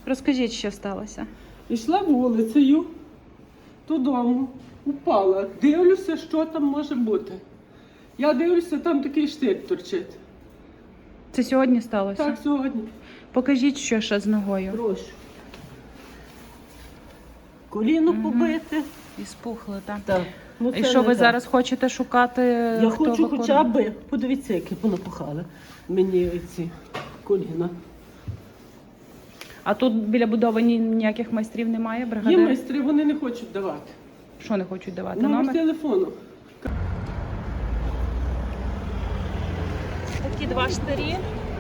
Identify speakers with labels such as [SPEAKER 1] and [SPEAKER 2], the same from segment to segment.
[SPEAKER 1] Розкажіть, що сталося.
[SPEAKER 2] Йшла вулицею додому, упала. Дивлюся, що там може бути. Я дивлюся, там такий штик торчить.
[SPEAKER 1] Це сьогодні сталося?
[SPEAKER 2] Так, сьогодні.
[SPEAKER 1] Покажіть, що ще з ногою.
[SPEAKER 2] Прошу. Коліно побите.
[SPEAKER 1] І спухли, так?
[SPEAKER 2] Так. Ну,
[SPEAKER 1] І
[SPEAKER 2] це
[SPEAKER 1] що
[SPEAKER 2] не
[SPEAKER 1] ви
[SPEAKER 2] так.
[SPEAKER 1] зараз хочете шукати?
[SPEAKER 2] Я
[SPEAKER 1] хто
[SPEAKER 2] хочу
[SPEAKER 1] виконує?
[SPEAKER 2] хоча б, подивіться, які понапухали мені ці коліна.
[SPEAKER 1] А тут біля будови ніяких майстрів немає,
[SPEAKER 2] Є
[SPEAKER 1] бригадир?
[SPEAKER 2] майстри, вони не хочуть давати.
[SPEAKER 1] Що не хочуть давати?
[SPEAKER 2] Номер телефону.
[SPEAKER 1] Такі два штирі.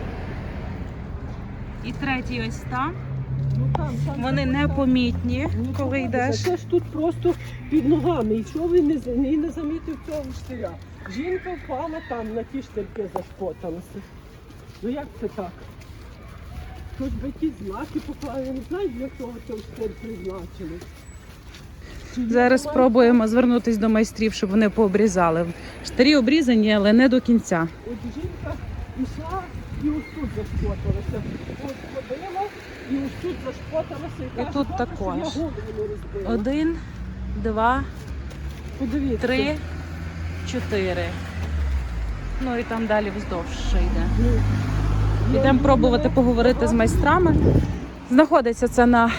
[SPEAKER 1] І третій ось там.
[SPEAKER 2] Ну, там,
[SPEAKER 1] Вони непомітні, коли йдеш.
[SPEAKER 2] Це ж тут просто під ногами. І чого він не замітив цього штиря? Жінка впала там, на ті штирки зашпоталася. Ну як це так? Хоч би ті знаки поклали, я не знаю, для чого цей штир призначили.
[SPEAKER 1] Зараз спробуємо звернутися до майстрів, щоб вони пообрізали. Штирі обрізані, але не до кінця.
[SPEAKER 2] От жінка йшла і ось тут зашпоталася. Ось ходила і ось тут зашпоталася.
[SPEAKER 1] І
[SPEAKER 2] каже,
[SPEAKER 1] тут
[SPEAKER 2] «Добре, що
[SPEAKER 1] також.
[SPEAKER 2] я голову не розбила».
[SPEAKER 1] 1, 2,
[SPEAKER 2] Подивіться.
[SPEAKER 1] 3, 4. Ну і там далі вздовж ще йде. Йдемо пробувати поговорити з майстрами. Знаходиться це на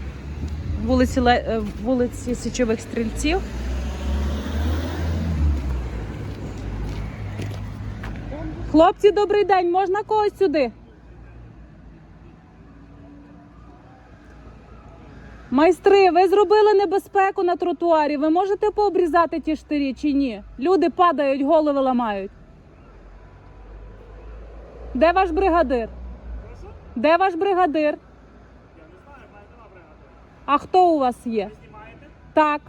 [SPEAKER 1] вулиці Січових Стрільців. Хлопці, добрий день, можна когось сюди? Майстри, ви зробили небезпеку на тротуарі, ви можете пообрізати ті штирі чи ні? Люди падають, голови ламають. Де ваш бригадир? Де ваш бригадир?
[SPEAKER 3] Я не знаю, в мене нема бригади.
[SPEAKER 1] А хто у вас є?
[SPEAKER 3] Ви знімаєте?
[SPEAKER 1] Так.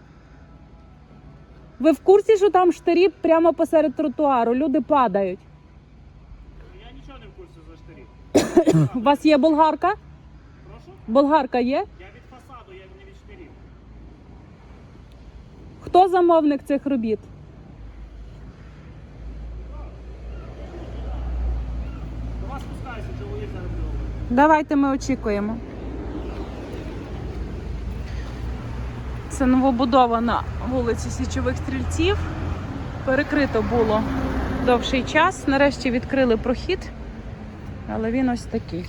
[SPEAKER 1] Ви в курсі, що там штирі прямо посеред тротуару? Люди падають.
[SPEAKER 3] Я нічого не в курсі за штирі.
[SPEAKER 1] У вас є болгарка?
[SPEAKER 3] Прошу?
[SPEAKER 1] Болгарка є?
[SPEAKER 3] Я від фасаду, я не від штирів.
[SPEAKER 1] Хто замовник цих робіт?
[SPEAKER 3] До вас спускаюся, чоловік зараз говорить.
[SPEAKER 1] Давайте ми очікуємо. Це новобудована вулиця Січових Стрільців. Перекрито було довший час. Нарешті відкрили прохід, але він ось такий.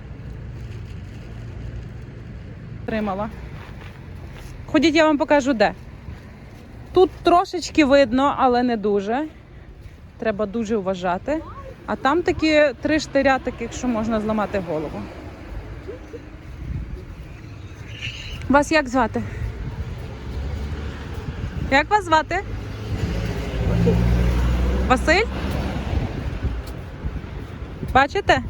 [SPEAKER 1] Тримала. Ходіть, я вам покажу де. Тут трошечки видно, але не дуже. Треба дуже вважати. А там такі 3 штиря, таких, що можна зламати голову. Вас як звати? Як вас звати? Василь? Бачите?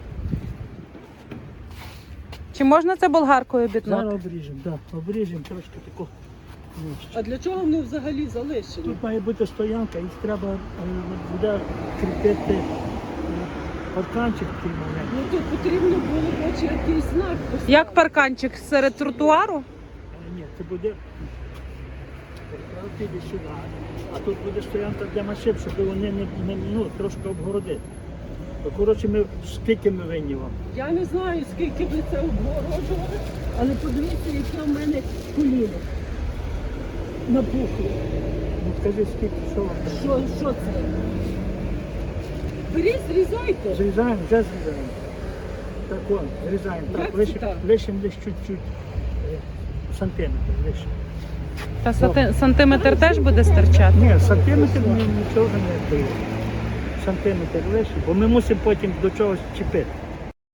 [SPEAKER 1] Чи можна це болгаркою обітнути?
[SPEAKER 4] Зараз обріжемо, так. Обріжемо трошки таку нижче.
[SPEAKER 2] А для чого вони взагалі залишені?
[SPEAKER 4] Тут має бути стоянка, їх треба буде кріпити парканчик такий маленький.
[SPEAKER 2] Ну тут потрібно було хоч якийсь знак поставити.
[SPEAKER 1] Як парканчик серед тротуару?
[SPEAKER 4] Але ні, це буде піде сюди. А тут буде стоянка для машин, щоб вони не трошки обгородити. То, коротше, скільки ми винні вам?
[SPEAKER 2] Я не знаю, скільки ви це обгороджували, але подивіться, яке в мене коліно напухло.
[SPEAKER 4] Ну скажи, скільки, що вам треба?
[SPEAKER 2] Що це? Беріть, зрізайте.
[SPEAKER 4] Зрізаємо, вже зрізаємо. Так от, зрізаємо.
[SPEAKER 2] Як
[SPEAKER 4] Так,
[SPEAKER 2] це так?
[SPEAKER 4] лишимо десь чуть-чуть, сантиметр лишимо.
[SPEAKER 1] Та сантиметр теж буде стирчати?
[SPEAKER 4] Ні, сантиметр нічого не дає. Сантиметр лише, бо ми мусимо потім до чогось чіпити.